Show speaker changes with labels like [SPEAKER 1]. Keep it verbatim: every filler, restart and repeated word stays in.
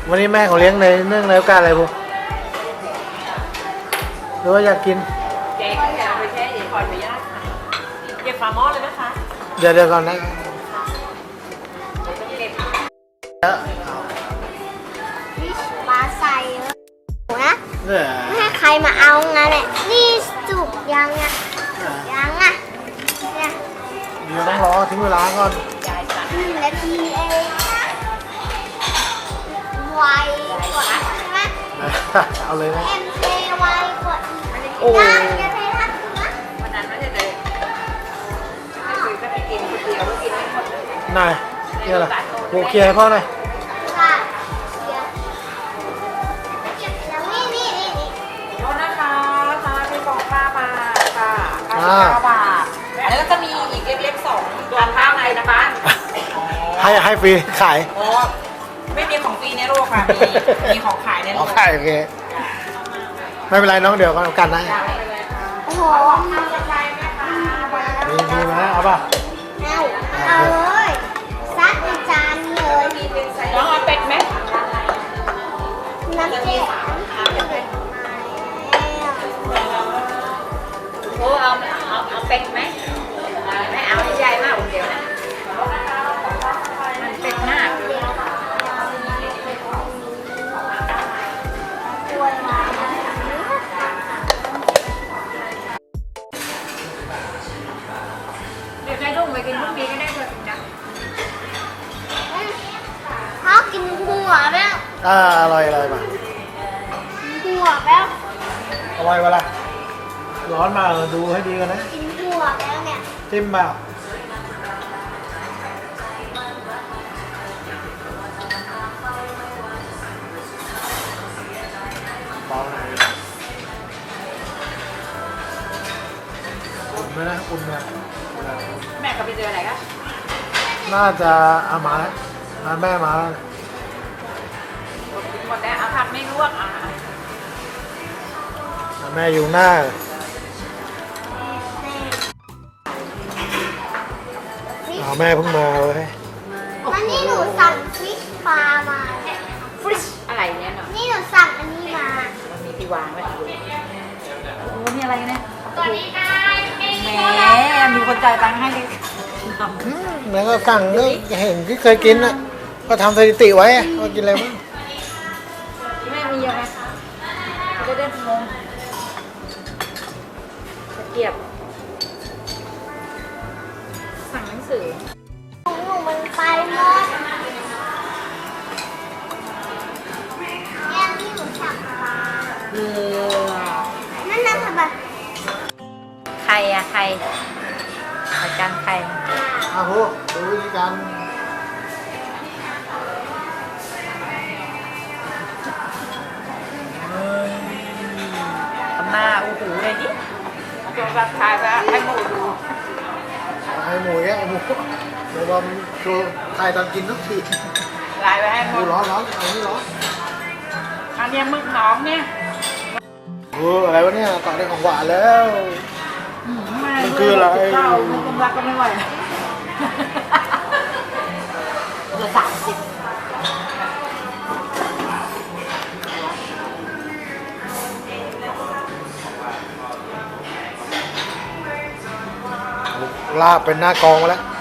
[SPEAKER 1] วันนี้แม่เขาเลี้ยงในเนื่องในโอกาสอะไรพวกหรือว่าอยากกิน
[SPEAKER 2] เจ๊ก็อยากไปแช่เย็นขออนุญาตค่ะเก็บฝาหม้อเลยนะคะ
[SPEAKER 1] เดี๋ยวเดี๋ยวก่อนนะ
[SPEAKER 3] ปลาใส่นะไม่ให้ใครมาเอางั้นแหละนี่สุกยังอ่ะยังอ่ะเนี่ย
[SPEAKER 1] เดี๋ยวต้องรอทิ้งเวลาก่อน
[SPEAKER 3] หนึ่งนาทีเองไวกว่าใช่ไหม
[SPEAKER 1] เอาเลยนะ
[SPEAKER 3] เอ็มเคไวกว่าอีกโอ้ยจะเททัดนะ
[SPEAKER 2] วันนั้นไม่ได้เลยไม่คุยก็ไปกินคนเดียวกินไม่หมดเลย
[SPEAKER 1] นายนี่อะไรโอเคให้พ่อหน่อย
[SPEAKER 3] ค่ะเดี๋ยวเก็บแล้วนี่นี่นี่นี่
[SPEAKER 2] โทษนะคะมาที่กล่องข้าวมาค่ะข้าวข้าวบาทอันนี้ก็จะมีอีกเล็กๆสองตัวข้าวในนะคะ
[SPEAKER 1] ให้ให้ฟรีขาย
[SPEAKER 2] โอ้ไม่มีของฟรีในโลกค่ะมีมีของขายในโลก
[SPEAKER 1] ขายโอเคไม่เป็นไรน้องเดี๋ยวกันนะ
[SPEAKER 3] โอ้โห
[SPEAKER 1] มีมีไหมเอาป่ะ
[SPEAKER 3] เอาเอาเลยซัดในจานเลย
[SPEAKER 2] น้องเอาเป็ดไหม
[SPEAKER 3] น้ำเจ๊
[SPEAKER 2] โอ้เอาเอาเอาเป็ดไหมไม่เอาใหญ่มากคนเดียวนะมันเป็ดมากเดี๋ยวได้ลูกไปกินพรุ่งนี้ก็ได้เถอะนะ
[SPEAKER 3] พ่อกินหัวแม่
[SPEAKER 1] อ่าอร่อยอร่อยป่ะ
[SPEAKER 3] หัวแม่
[SPEAKER 1] อร่อยป่ะล่ะร้อนมาดูให้ดีกันนะ
[SPEAKER 3] กินหัวแล้วเนี่ย
[SPEAKER 1] จิ้มเปล่าเบาหน่อยอุ่นไหมนะอุ่นนะ
[SPEAKER 2] แม่ก็ไปเจออะไรกัน
[SPEAKER 1] น่าจะเอามาแล้วมาแม่มาแล้ว
[SPEAKER 2] หมดแล้วเอาผัดไม่ลวกอ่ะ
[SPEAKER 1] แม่อยู่หน้าเอาแม่เพิ่งมาเลย
[SPEAKER 3] วันนี้หนูสั่งฟิชปลามา
[SPEAKER 2] ฟิชอะไรเนี่ยเนาะ
[SPEAKER 3] นี่หนูสั่งอันนี้มา
[SPEAKER 2] มีที่วางไว้โอ้มีอะไรเนี่ย
[SPEAKER 3] ตอนนี้ได้
[SPEAKER 2] แหมมีคนจ่ายตังค์ให้ดิ
[SPEAKER 1] แล้วก็สั่งก็เห็นที่เคยกินอ่ะก็ทำสถิติไว้ว่ากินอะไรบ้าง
[SPEAKER 2] แม่มีเยอะไหมจะได้งงตะเกียบสั่งหนังสือ
[SPEAKER 3] ของหนูมันไปหมดแก้มที่หนูสั่งมา
[SPEAKER 2] เออ
[SPEAKER 3] นั่นนั่นทำไม
[SPEAKER 2] ใครอะใครอาจารย์ใคร
[SPEAKER 1] อ้าวโหดูวิธีการ
[SPEAKER 2] ทำหน้าอู้หูเลยดิจงรักทายไปให้หมูดู
[SPEAKER 1] ให้หมูแกหมูเดี๋ยวเราดูถ่ายตอนกินทุกที
[SPEAKER 2] ลายไปให้หมู
[SPEAKER 1] ร้อนร้อนเอานี่ร้อน
[SPEAKER 2] อันนี้มึกน้องเนี่ย
[SPEAKER 1] โอ้อะไรวะเนี่ยต่อได้ของหวานแล้วมันคืออะไร
[SPEAKER 2] เจ้ามันกำลังก็ไม่ไหวจะสามสิบ
[SPEAKER 1] ลาบเป็นหน้ากองมาแล้ว